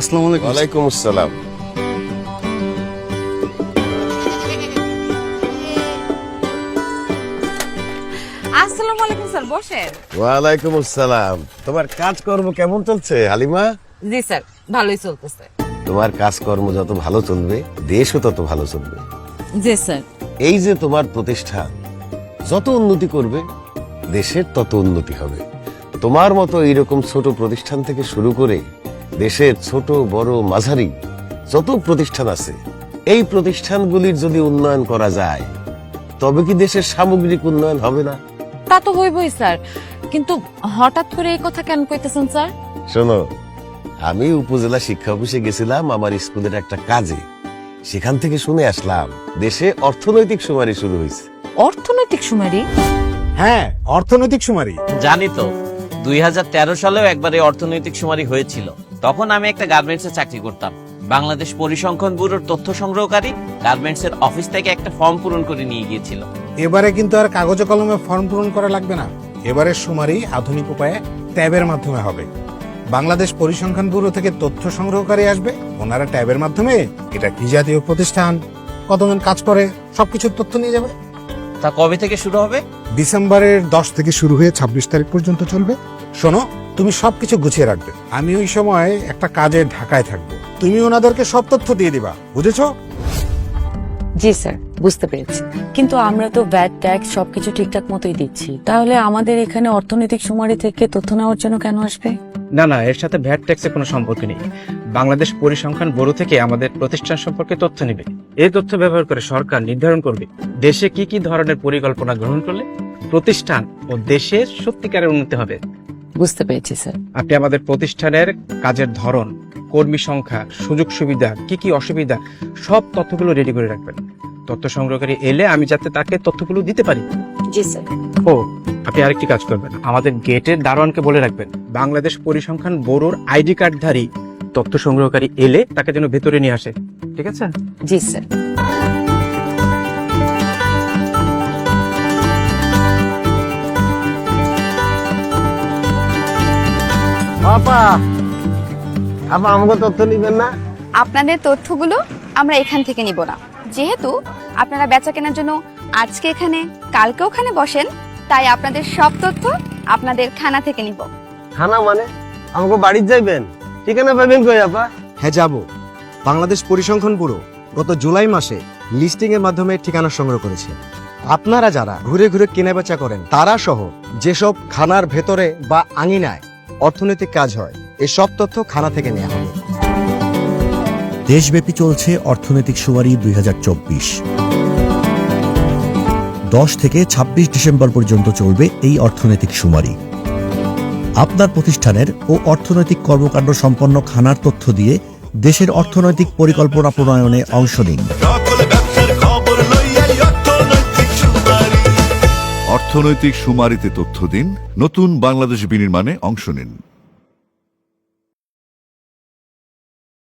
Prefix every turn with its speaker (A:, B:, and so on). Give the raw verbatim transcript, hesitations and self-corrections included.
A: আসসালামু আলাইকুম।
B: ওয়ালাইকুম আসসালাম।
C: আসসালামু আলাইকুম স্যার, বসেন।
B: ওয়ালাইকুম আসসালাম। তোমার কাজকর্ম কেমন চলছে হালিমা?
C: জি স্যার, ভালোই চলতেছে।
B: তোমার কাজকর্ম যত ভালো চলবে দেশও তত ভালো চলবে।
C: জি স্যার।
B: এই যে তোমার প্রতিষ্ঠান যত উন্নতি করবে দেশের তত উন্নতি হবে। তোমার মতো এইরকম ছোট প্রতিষ্ঠান থেকে শুরু করে দেশের ছোট বড় মাঝারি যত প্রতিষ্ঠান আছে, এই প্রতিষ্ঠানগুলির যদি উন্নয়ন করা যায় তবে কি দেশের সামগ্রিক উন্নয়ন হবে না?
C: তা তো হইবই স্যার, কিন্তু হঠাৎ করে এই কথা কেন কইতেছেন স্যার?
B: শোনো, আমি উপজেলা শিক্ষা অফিসে গেছিলাম আমার স্কুলের একটা কাজে। সেখান থেকে শুনে আসলাম দেশে অর্থনৈতিক সুমারি শুরু হয়েছে।
C: অর্থনৈতিক সুমারি?
A: হ্যাঁ, অর্থনৈতিক সুমারি।
D: জানি তো, দুই হাজার তেরো সালেও একবার এই অর্থনৈতিক সুমারি হয়েছিল। তখন আমি একটা গার্মেন্টসে চাকরি করতাম। বাংলাদেশ পরিসংখ্যান ব্যুরোর তথ্য সংগ্রহকারী গার্মেন্টসের অফিস থেকে একটা ফর্ম পূরণ করে নিয়ে গিয়েছিল।
A: এবারে কিন্তু আর কাগজে কলমে ফর্ম পূরণ করা লাগবে না। এবারে সুমারি আধুনিক উপায়ে ট্যাবের মাধ্যমে হবে। বাংলাদেশ পরিসংখ্যান ব্যুরো থেকে তথ্য সংগ্রহকারী আসবে, ওনারা ট্যাবের মাধ্যমে এটা কি জাতীয় প্রতিষ্ঠান, কতজন কাজ করে, সবকিছুর তথ্য নিয়ে যাবে।
D: তা কবে থেকে শুরু হবে?
A: ডিসেম্বরের দশ থেকে শুরু হয়ে ছাব্বিশ তারিখ পর্যন্ত চলবে। শোনো, তুমি সবকিছু গুছিয়ে রাখবে। আমি ওই সময় একটা কাজে ঢাকায় থাকবো, তুমি ওনাদেরকে সব তথ্য দিয়ে দিবা, বুঝেছো?
E: জি স্যার, বুঝতে পেরেছি। কিন্তু আমরা তো ভ্যাট ট্যাক্স সবকিছু ঠিকঠাক মতোই দিচ্ছি, তাহলে আমাদের এখানে অর্থনৈতিক সুমারি থেকে তথ্য নেওয়ার জন্য কেন আসবে?
F: না না, এর সাথে ভ্যাট ট্যাক্সের কোনো সম্পর্ক নেই। বাংলাদেশ পরিসংখ্যান ব্যুরো থেকে আমাদের প্রতিষ্ঠান সম্পর্কে তথ্য নেবে। এই তথ্য ব্যবহার করে সরকার নির্ধারণ করবে দেশে কি কি ধরনের পরিকল্পনা গ্রহণ করলে প্রতিষ্ঠান ও দেশের সত্যিকারের উন্নতি হবে।
E: বুঝতে পেরেছি স্যার।
F: আপনি আমাদের প্রতিষ্ঠানের কাজের ধরন, কর্মী সংখ্যা, সুযোগ সুবিধা, কি কি অসুবিধা, সব তথ্যগুলো রেডি করে রাখবেন। তথ্য সংগ্রহকারী এলে আমি যাতে তাকে তথ্যগুলো দিতে পারি।
E: জি স্যার।
F: ও, আপনি আরেকটি কাজ করবেন, আমাদের গেটের দারোয়ানকে বলে রাখবেন বাংলাদেশ পরিসংখ্যান ব্যুরোর আইডি কার্ডধারী তথ্য সংগ্রহকারী এলে তাকে যেন ভেতরে নিয়ে আসে। ঠিক আছে?
E: জি স্যার।
B: আপা, আপা আমাকে তথ্য নিবেন না?
G: আপনাদের তথ্যগুলো আমরা এখান থেকে নিব না। যেহেতু আপনারা বেচা কেনার জন্য আজকে এখানে কালকে ওখানে বসেন, তাই আপনাদের সব তথ্য আপনাদের খানা থেকে নিব।
B: খানা মানে আমাকে বাড়ির যাইবেন? ঠিকানা পাবেন কই আপা?
H: হ্যাঁ যাব। বাংলাদেশ পরিসংখ্যান ব্যুরো গত জুলাই মাসে লিস্টিং এর মাধ্যমে ঠিকানা সংগ্রহ করেছে। আপনারা যারা ঘুরে ঘুরে কেনাবেচা করেন তারা সহ যেসব খানার ভেতরে বা আঙিনায় অর্থনৈতিক কাজ হয়, এই সব তথ্য খানা থেকে নেওয়া হবে।
I: দেশব্যাপী চলছে অর্থনৈতিক সুমারি দুই হাজার চব্বিশ। দশ থেকে ছাব্বিশ ডিসেম্বর পর্যন্ত চলবে এই অর্থনৈতিক সুমারি। আপনার প্রতিষ্ঠানের ও অর্থনৈতিক কর্মকাণ্ড সম্পন্ন খানার তথ্য দিয়ে দেশের অর্থনৈতিক পরিকল্পনা প্রণয়নে অংশ নিন।
J: অর্থনৈতিক সুমারিতে তথ্য দিন, নতুন বাংলাদেশ বিনির্মাণে অংশ নিন।